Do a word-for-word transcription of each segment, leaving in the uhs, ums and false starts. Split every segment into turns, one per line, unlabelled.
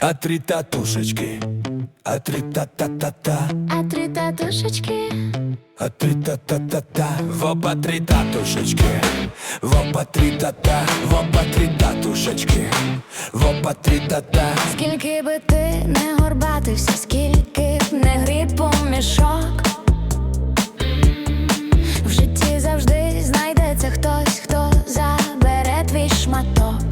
А три татушечки, а три та-та-та-та,
А три татушечки,
а три та-та-та-та. В оба три татушечки, в оба три та-та, в оба три татушечки, в оба три та-та.
скільки би ти не горбатився, скільки б не гріб у мішок, в житті завжди знайдеться хтось, хто забере твій шматок.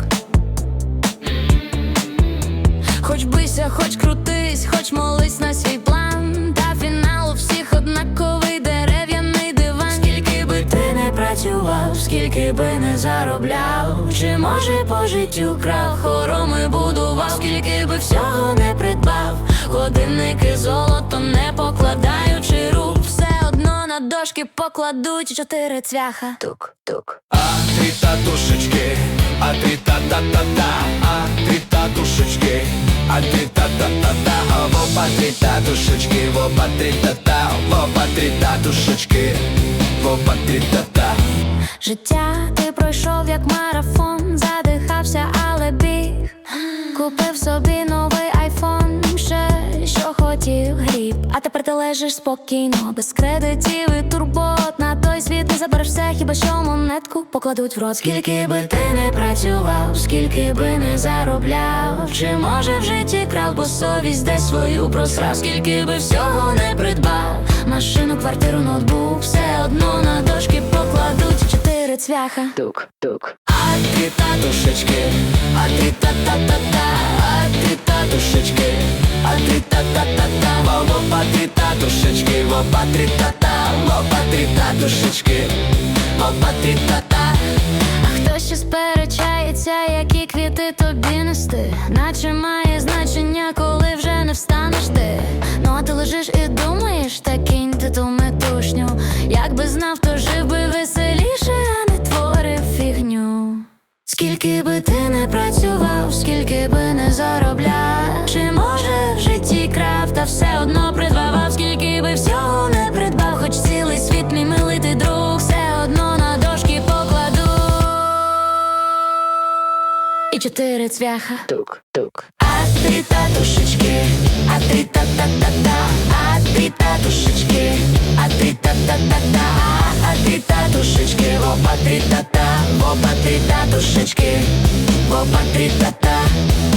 Хоч бийся, хоч крутись, хоч молись на свій план, та фінал у всіх однаковий дерев'яний диван. Скільки би ти не працював, скільки би не заробляв, чи може по життю крав, хороми будував, скільки би всього не придбав, годинники золото не покладаючи рук, все одно на дошки покладуть чотири цвяха. Тук-тук.
А три татушечки, а три та-та-та-та, а три татушечки, а три та-та-та-та. В оба три татушечки, в оба три та-та, в оба три татушечки, в оба три та-та.
Життя ти пройшов як марафон, задихався, але біг. Купив собі новий айфон, ще що хотів гріб. А тепер ти лежиш спокійно, без кредитів і турбот. На той світ не забереш все, хіба що монетку покладуть в рот. Скільки би ти не працював, скільки би не заробляв, чи може в житті крав, бо совість десь свою просрав. Скільки би всього не придбав, машину, квартиру, ноутбук, все одно на дошки покладуть чотири цвяха.
Тук-тук. А три татушечки, а три та-та-та-та, а три татушечки, а три та-та-та-та. В оба три татушечки, в оба три та-та, в оба три татушечки, в оба три та-та.
А хто ще сперечається, які квіти тобі нести? Наче має значення, коли вже не встанеш ти. Ну а ти лежиш і думаєш, та кинь ти ту метушню. Якби знав, то жив би веселіше, а не творив фігню. Скільки би ти не працював, скільки би не заробляв, чи може в житті крав, та все одно придбавав. Скільки би всього не придбав, хоч цілий світ мій милий ти друг, все одно на дошки покладу і чотири цвяха.
Тук-тук.
А три татушечки, а три та-та-та-та, а три татушечки, а три та-та-та-та, а три татушечки, в оба три та-та, в оба три татушечки, в оба три та-та.